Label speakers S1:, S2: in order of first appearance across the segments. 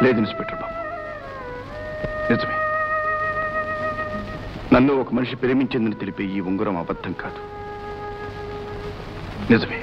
S1: లేదు ఇన్స్పెక్టర్ బాబు, నిజమే. నన్ను ఒక మనిషి ప్రేమించిందని తెలిపే ఈ ఉంగరం అబద్ధం కాదు, నిజమే.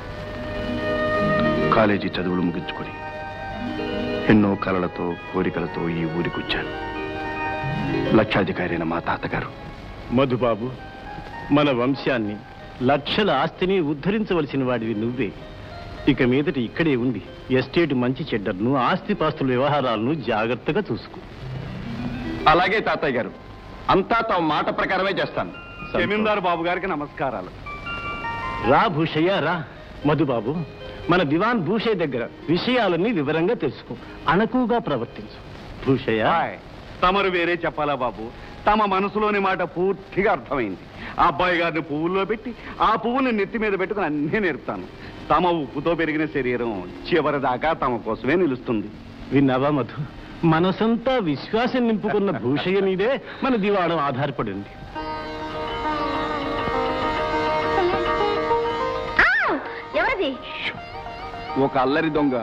S1: కాలేజీ చదువులు ముగించుకొని ఎన్నో కలలతో కోరికలతో ఈ ఊరికొచ్చాను. లక్షాధికారి అయిన మా తాతగారు
S2: మధుబాబు, మన వంశాన్ని, లక్షల ఆస్తిని ఉద్ధరించవలసిన వాడివి నువ్వే. ఇక మీదట ఇక్కడే ఉండి ఎస్టేట్ మంచి చెడ్డర్ను, ఆస్తిపాస్తుల వ్యవహారాలను జాగ్రత్తగా చూసుకో.
S1: అలాగే తాతయ్య గారు, అంతా తమ మాట ప్రకారమే చేస్తాను.
S3: జమీందారు బాబు గారికి నమస్కారాలు.
S2: రా భూషయ్య రా. మధుబాబు, మన దివాన్ భూషయ్య దగ్గర విషయాలన్నీ వివరంగా తెలుసుకో, అణకుగా ప్రవర్తించు. భూషయ్య,
S3: తమరు వేరే చెప్పాలా బాబు? తమ మనసులోని మాట పూర్తిగా అర్థమైంది. ఆ అబ్బాయి గారిని పువ్వుల్లో పెట్టి ఆ పువ్వుని నెత్తి మీద పెట్టుకుని అన్నీ నేర్పుతాను. తమ ఉప్పుతో పెరిగిన శరీరం చివరిదాకా తమ కోసమే నిలుస్తుంది.
S2: విన్నావా మధు? మనసంతా విశ్వాసం నింపుకున్న భూషయ్య మీదే మన దివాణం ఆధారపడింది.
S4: ఎవరిది?
S1: ఒక అల్లరి దొంగ.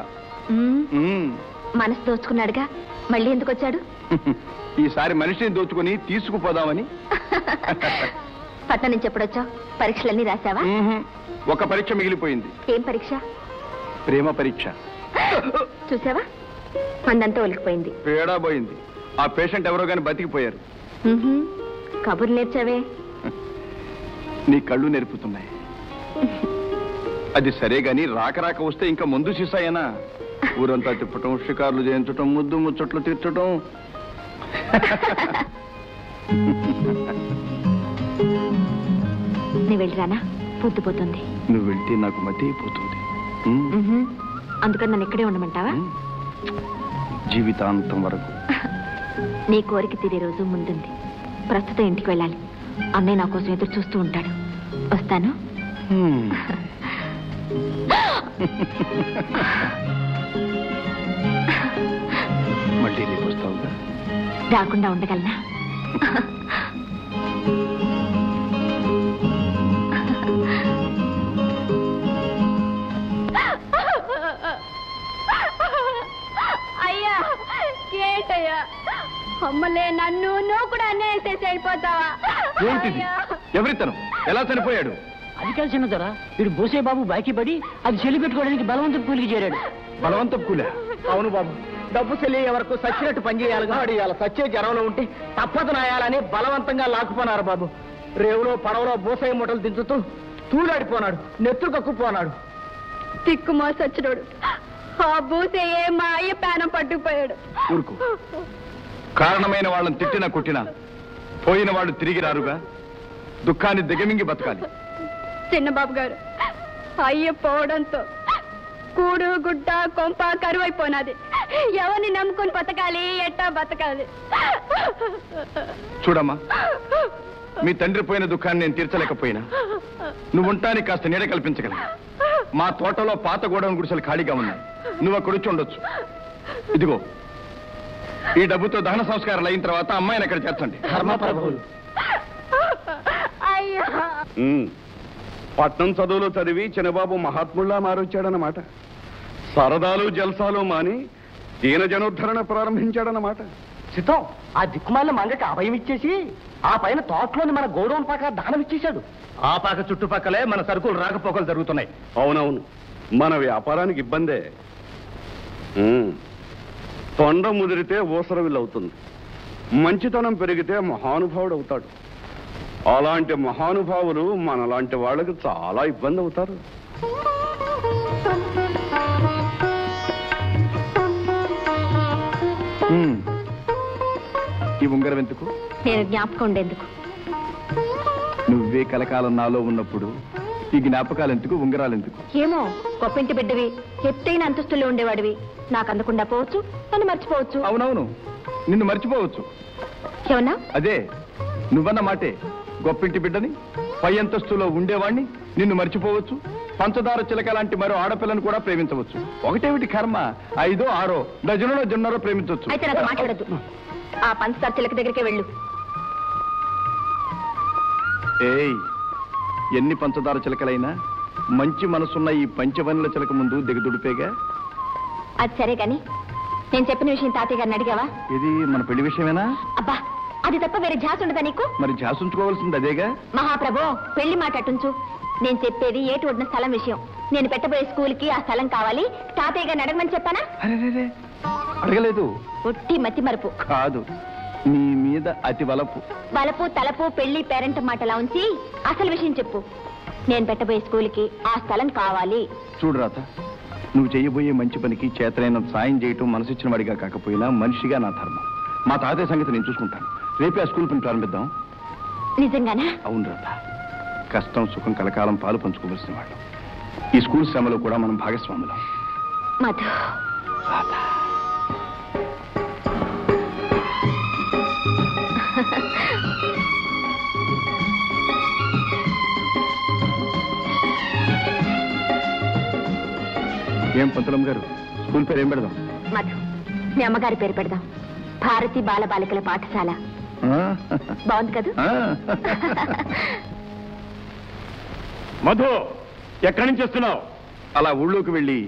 S4: మనసు దోచుకున్నాడుగా, మళ్ళీ ఎందుకు వచ్చాడు?
S1: ఈసారి మనిషిని దోచుకుని తీసుకుపోదామని.
S4: పట్నం నుంచి ఎప్పుడొచ్చావు? పరీక్షలన్నీ రాశావా?
S1: ఒక పరీక్ష మిగిలిపోయింది.
S4: ఏం పరీక్ష?
S1: ప్రేమ పరీక్ష.
S4: చూసావా, మందంతా ఒలికిపోయింది.
S1: పేడా పోయింది. ఆ పేషెంట్ ఎవరో గాని బతికిపోయారు.
S4: కబుర్లు నేర్చావే?
S1: నీ కళ్ళు నేర్పుతున్నాయి. అది సరే గాని రాక రాక వస్తే ఇంకా ముందు సీసాయేనా? ఊరంతా తిప్పటం, షికార్లు చేయించటం, ముద్దు ముచ్చట్లు తీర్చటం.
S4: నేను వెళ్ళిరానా? పొద్దుపోతుంది.
S1: నువ్వు వెళ్తే నాకు మతి అయిపోతుంది.
S4: అందుకని నన్ను ఇక్కడే ఉండమంటావా?
S1: జీవితాంతం వరకు.
S4: నీ కోరిక తీరే రోజు ముందుంది. ప్రస్తుతం ఇంటికి వెళ్ళాలి. అన్నయ్య నా కోసం ఎదురు చూస్తూ ఉంటాడు. వస్తాను.
S1: మళ్ళీ రేపు వస్తావుగా?
S4: రాకుండా ఉండగలనా?
S5: అయ్యా, ఏంటయ్యా? అమ్మలే, నన్ను నువ్వు కూడా అన్నేసేసి వెళ్ళిపోతావా?
S1: ఏంటిది? ఎవరితను? ఎలా చనిపోయాడు?
S6: అది కలిసిన ధర వీడు బోసే బాబు బాకీ పడి అది చెల్లి పెట్టుకోవడానికి బలవంతం కూలికి చేరాడు.
S1: బలవంతం కూలా?
S6: అవును బాబు, డబ్బు చెల్లి వరకు సచ్చినట్టు పనిచేయాలిగా. ఇవాళ సచ్చే జ్వరంలో ఉంటే తప్పదు నాయాలని బలవంతంగా లాక్కుపోనారు బాబు. రేవులో పడవలో బోసే మూటలు దించుతూ తూలాడిపోనాడు, నెత్తురు కక్కుపోనాడు.
S5: తిక్కుమా సచ్చినోడు. ఆ బూసే మా అయ్య ప్రాణం పట్టుకుపోయాడు.
S1: ఊరుకో. కారణమైన వాళ్ళని తిట్టినా కొట్టినా పోయిన వాళ్ళు తిరిగి రారుగా. దుఃఖాన్ని దిగమింగి బతకాలి.
S5: చిన్నబాబు గారు, అయ్య పోవడంతో కూడు గుడ్డ కొంప కరువైపోయినది. ఎవరిని నమ్ముకుని బతకాలి? ఎట్టా బతకాలి?
S1: చూడమ్మా, మీ తండ్రి పోయిన దుఃఖాన్ని నేను తీర్చలేకపోయినా నువ్వు ఉంటానికి కాస్త నీడ కల్పించగలను. మా తోటలో పాత గోడౌన్ గుడిసెలు ఖాళీగా ఉన్నాయి. నువ్వు అక్కడ వచ్చి ఉండొచ్చు. ఇదిగో, ఈ డబ్బుతో దహన సంస్కారాలు అయిన తర్వాత అమ్మాయిని అక్కడ చేర్చండి.
S6: ధర్మప్రభువులు.
S5: అయ్యా,
S3: పట్నం చదువులు చదివి చిన్నబాబు మహాత్ముల్లా మారొచ్చాడనమాట. సరదాలు జల్సాలు మాని దీన జనోద్ధరణ ప్రారంభించాడనమాట.
S6: సిద్ధం, ఆ దిక్కుమాల మంగకి అభయం ఇచ్చేసి ఆ పైన తోటలోని మన గౌరవం పాక దానం ఇచ్చేశాడు.
S2: ఆ పాక చుట్టుపక్కలే మన సరుకులు రాకపోకలు జరుగుతున్నాయి.
S3: అవునవును, మన వ్యాపారానికి ఇబ్బందే. తొండ ముదిరితే ఊసరవిల్లవుతుంది. మంచితనం పెరిగితే మహానుభావుడు అవుతాడు. అలాంటి మహానుభావులు మనలాంటి వాళ్ళకి చాలా ఇబ్బంది అవుతారు.
S1: ఈ ఉంగరం ఎందుకు?
S4: నేను జ్ఞాపకం ఉండేందుకు.
S1: నువ్వే కలకాలం నాలో ఉన్నప్పుడు ఈ జ్ఞాపకాలు ఎందుకు, ఉంగరాలు ఎందుకు?
S4: ఏమో, గొప్పింటి బిడ్డవి, ఎత్తైన అంతస్తుల్లో ఉండేవాడివి. నాకు అందకుండా పోవచ్చు, నన్ను మర్చిపోవచ్చు.
S1: అవునవును, నిన్ను మర్చిపోవచ్చు.
S4: ఏమన్నా?
S1: అదే నువ్వన్న మాటే. గొప్పింటి బిడ్డని, పై అంతస్తులో ఉండేవాణ్ణి నిన్ను మర్చిపోవచ్చు. పంచదార చిలక లాంటి మరో ఆడపిల్లను కూడా ప్రేమించవచ్చు. ఒకటేమిటి కర్మ, 5, 6 డజనులో జొన్నరో ప్రేమించవచ్చు.
S4: అయితే నాకు మాట్లాడద్దు. ఆ పంచదార చిలక దగ్గరికే వెళ్ళు.
S1: ఏయ్, ఎన్ని పంచదార చిలకలైనా మంచి మనసున్న ఈ పంచవనుల చిలక ముందు దిగదుడిపేగా.
S4: అది సరే గాని, నేను చెప్పిన విషయం తాతయ్య గారిని అడిగావా?
S1: ఇది మన పెళ్లి విషయమేనా?
S4: అబ్బా, అది తప్ప వేరే ఝాస ఉండదా నీకు?
S1: మరి ఝాస ఉంచుకోవాల్సింది అదేగా.
S4: మహాప్రభు, పెళ్లి మాట అటుంచు. నేను చెప్పేది ఏటి ఒడిన స్థలం విషయం. నేను పెట్టబోయే స్కూల్కి ఆ స్థలం కావాలి. తాతయ్య గారిని అడగమని చెప్పానా?
S1: అరే, అడగలేదు.
S4: ఒట్టి మతి మరుపు
S1: కాదు, నీ మీద అతి వలపు.
S4: వలపు తలపు పెళ్లి పేరెంట్ మాటలా ఉంచి అసలు విషయం చెప్పు. నేను పెట్టబోయే స్కూల్కి ఆ స్థలం కావాలి.
S1: చూడు రాత, నువ్వు చేయబోయే మంచి పనికి చేతనైనంత సాయం చేయటం మనసిచ్చిన వాడిగా కాకపోయినా మనిషిగా నా ధర్మం. మా తాతయ్య సంగతి నేను చూసుకుంటాను. రేపే ఆ స్కూల్ పని ప్రారంభిద్దాం.
S4: నిజంగానా?
S1: అవును రాత, కష్టం సుఖం కలకాలం పాలు పంచుకోవలసిన వాళ్ళు. ఈ స్కూల్ శ్రమలో కూడా మనం భాగస్వాములం.
S4: మధు,
S1: ఏం పంతులమ్మ గారు, స్కూల్ పేరు ఏం పెడదాం?
S4: మధు, మీ అమ్మగారి పేరు పెడదాం. భారతి బాల బాలికల పాఠశాల. బాగుంది కదా?
S2: మధు, ఎక్కడి నుంచి వస్తున్నావు?
S1: అలా ఊళ్ళోకి వెళ్ళి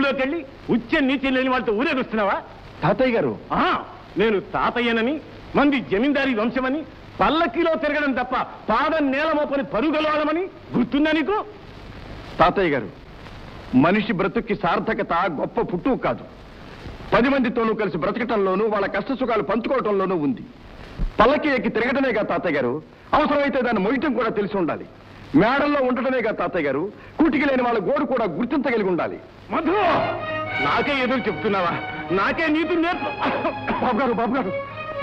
S2: ఉచ్చ నీతి లేని వాళ్ళతో ఊరేగుస్తున్నావా?
S1: తాతయ్య గారు,
S2: నేను తాతయ్యనని, మంది జమీందారీ వంశమని, పల్లకిలో తిరగడం తప్ప పాదం నేల మోపని పరుగలవాడమని గుర్తుందా నీకు?
S1: తాతయ్య గారు, మనిషి బ్రతుక్కి సార్థకత గొప్ప పుట్టు కాదు, 10 మందితోనూ కలిసి బ్రతకటంలోనూ వాళ్ళ కష్ట సుఖాలు పంచుకోవటంలోనూ ఉంది. పల్లకి ఎక్కి తిరగటమేగా తాతయ్య గారు, అవసరమైతే దాన్ని మొయ్యటం కూడా తెలిసి ఉండాలి. మేడల్లో ఉండటమేగా తాతయ్య గారు, కూటికి లేని వాళ్ళ గోడు కూడా గుర్తించగలిగి ఉండాలి.
S2: మధు, నాకే ఎదురు చెప్తున్నావా? నాకే నీతి నేర్పు.
S3: బాబు గారు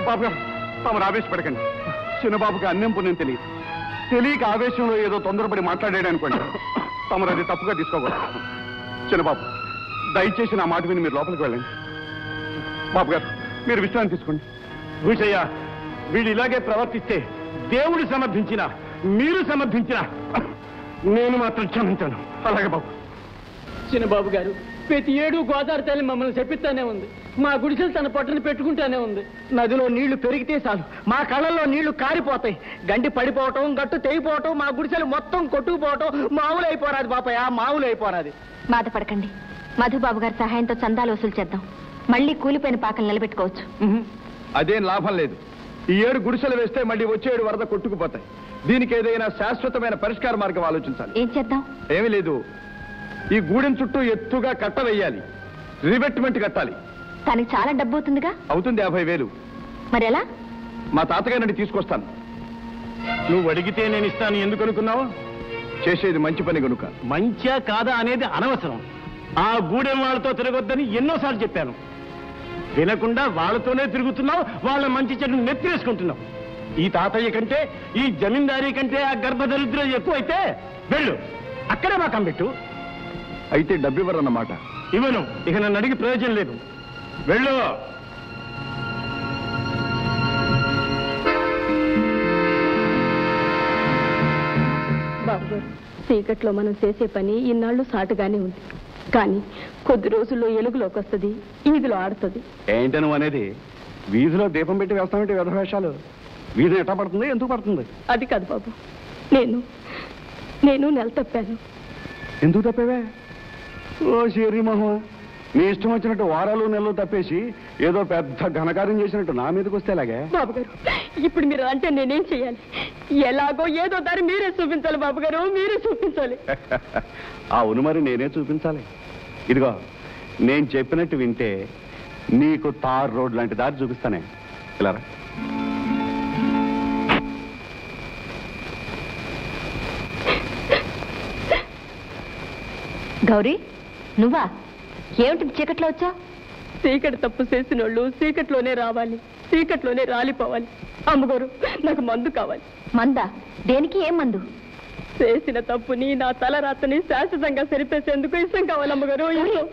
S3: తమరు ఆవేశపడకండి. చిన్నబాబుకి అన్నం పుణ్యం తెలియక ఆవేశంలో ఏదో తొందరపడి మాట్లాడాడు అనుకోండి. తమరు అది తప్పుగా తీసుకోకూడదు. చిన్నబాబు, దయచేసి నా మాట విని మీరు లోపలికి వెళ్ళండి. బాబు గారు, మీరు విశ్రాంతి తీసుకోండి.
S2: భూషయ్య, వీళ్ళు ఇలాగే ప్రవర్తిస్తే దేవుడు సమర్థించిన, మీరు సమర్థించిన, నేను మాత్రం క్షమించాను.
S3: అలాగే బాబు.
S6: చిన్నబాబు గారు, ప్రతి ఏడు గోదావరి తల్లి మమ్మల్ని చెప్పిస్తానే ఉంది. మా గుడిసెలు తన పొట్టని పెట్టుకుంటానే ఉంది. నదిలో నీళ్లు పెరిగితే చాలు మా కళ్ళల్లో నీళ్లు కారిపోతాయి. గండి పడిపోవటం, గట్టు తెగిపోవటం, మా గుడిసెలు మొత్తం కొట్టుకుపోవటం మామూలు అయిపోరాది బాపయ్య, మామూలు అయిపోరాది.
S4: బాధపడకండి. మధుబాబు గారి సహాయంతో చందాలు వసూలు చేద్దాం. మళ్ళీ కూలిపోయిన పాకలు నిలబెట్టుకోవచ్చు.
S1: అదేం లాభం లేదు. ఈ 7 గుడిసెలు వేస్తే మళ్ళీ వచ్చే 7 వరద కొట్టుకుపోతాయి. దీనికి ఏదైనా శాశ్వతమైన పరిష్కార మార్గం ఆలోచించాలి.
S4: ఏం చేద్దాం?
S1: ఏమీ లేదు, ఈ గూడెం చుట్టూ ఎత్తుగా కట్ట వేయాలి, రివెట్మెంట్ కట్టాలి.
S4: దానికి చాలా డబ్బు అవుతుందిగా?
S1: అవుతుంది, 50,000.
S4: మరి ఎలా?
S1: మా తాతగారిని తీసుకొస్తాను.
S2: నువ్వు అడిగితే నేను ఇస్తాను. ఎందుకు అనుకున్నావు?
S1: చేసేది మంచి పని కనుక.
S2: మంచా కాదా అనేది అనవసరం. ఆ గూడెం వాళ్ళతో తిరగొద్దని ఎన్నోసార్లు చెప్పాను. వినకుండా వాళ్ళతోనే తిరుగుతున్నావు. వాళ్ళ మంచి చెడును నెత్తిరేసుకుంటున్నావు. ఈ తాతయ్య కంటే, ఈ జమీందారీ కంటే ఆ గర్భదరిద్రం ఎక్కువైతే వెళ్ళు, అక్కడే మా కంపెట్టు.
S1: అయితే డబ్బు ఇవ్వరన్నమాట?
S2: ఇవ్వను. ఇక నన్ను అడిగి ప్రయోజనం లేదు. వెళ్ళు.
S5: బాబు గారు, చీకట్లో మనం చేసే పని ఇన్నాళ్ళు సాటుగానే ఉంది. కానీ కొద్ది రోజుల్లో ఎలుగులోకి వస్తుంది, ఈదిలో ఆడుతుంది.
S3: ఏంటి నువ్వు అనేది? వీధిలో దీపం పెట్టి వేస్తామంటే వ్యధవేషాలు. వీధి ఎట్లా పడుతుంది, ఎందుకు పడుతుంది?
S5: అది కాదు బాబు, నేను నెల తప్పాను.
S3: ఎందుకు తప్పేవే? ఓ శరీ మొహం, నీ ఇష్టం వచ్చినట్టు వారాలు నెలలు తప్పేసి ఏదో పెద్ద ఘనకార్యం చేసినట్టు నా మీదకి వస్తే ఎలాగే?
S5: బాబు గారు, ఇప్పుడు మీరు అంటే నేనేం చేయాలి? ఎలాగో ఏదో దారి మీరే చూపించాలి బాబు గారు, మీరే చూపించాలి.
S3: అవును, మరి నేనే చూపించాలి. ఇదిగో, నేను చెప్పినట్టు వింటే నీకు తార్ రోడ్ లాంటి దారి చూపిస్తానే. ఇలా రా.
S4: గౌరీ, నువ్వా? ఏమిటి చీకట్లో వచ్చా?
S5: చీకటి తప్పు చేసిన వాళ్ళు చీకట్లోనే రావాలి, చీకట్లోనే రాలిపోవాలి. అమ్మగారు, నాకు మందు కావాలి.
S4: మందా? దేనికి? ఏం మందు?
S5: చేసిన తప్పుని, నా తల రాతని శాశ్వతంగా సరిపేసేందుకు ఇష్టం కావాలి అమ్మగారు.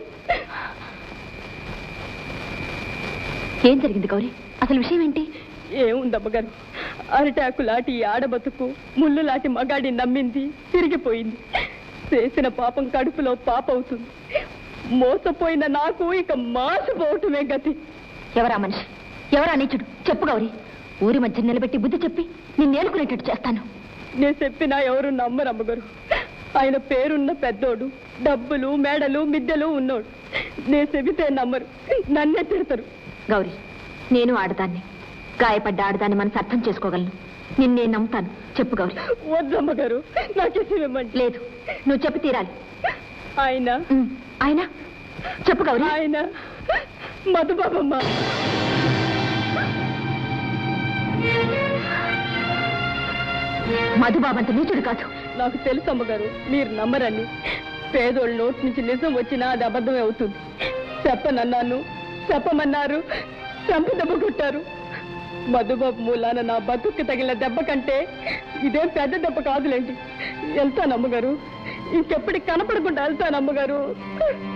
S4: ఏం జరిగింది గౌరీ? అసలు విషయం ఏంటి?
S5: ఏముందమ్మగారు, అరిటాకు లాంటి ఆడబతుకు ముళ్ళు లాంటి మగాడి నమ్మింది, తిరిగిపోయింది. చేసిన పాపం కడుపులో పాప అవుతుంది. మోసపోయిన నాకు ఇక మాసిపోవటమే గతి.
S4: ఎవరా మనిషి? ఎవరా నీచుడు? చెప్పు గౌరీ. ఊరి మధ్య నిలబెట్టి బుద్ధి చెప్పి నిన్నేలుకునేటట్టు చేస్తాను.
S5: నేను చెప్పినా ఎవరు నమ్మరు అమ్మగారు. ఆయన పేరున్న పెద్దోడు, డబ్బులు మేడలు మిద్దెలు ఉన్నోడు. నేను చెబితే నమ్మరు, నన్నే తిడతారు.
S4: గౌరీ, నేను ఆడదాన్ని, గాయపడ్డ ఆడదాన్ని మనసు అర్థం చేసుకోగలను. నిన్నే నమ్ముతాను. చెప్పు గౌరీ.
S5: వద్దమ్మగారు, నాకేసేమంటే.
S4: లేదు, నువ్వు చెప్పి తీరాలి.
S5: ఆయన
S4: ఆయన చెప్పు గౌరీ.
S5: ఆయన మధుబాబమ్మ.
S4: మధుబాబంత నీచుడు కాదు.
S5: నాకు తెలుసు అమ్మగారు, మీరు నమ్మరని. పేదోళ్ళ నోటి నుంచి నిజం వచ్చినా అది అబద్ధమే అవుతుంది. చెప్పనన్నాను, చెప్పమన్నారు, చంప దెబ్బ కొట్టారు. మధుబాబు మూలాన నా బతుక్కి తగిలిన దెబ్బ కంటే ఇదేం పెద్ద దెబ్బ కాదులేండి. వెళ్తాను అమ్మగారు, ఇంకెప్పటికి కనపడకుండా వెళ్తాను అమ్మగారు.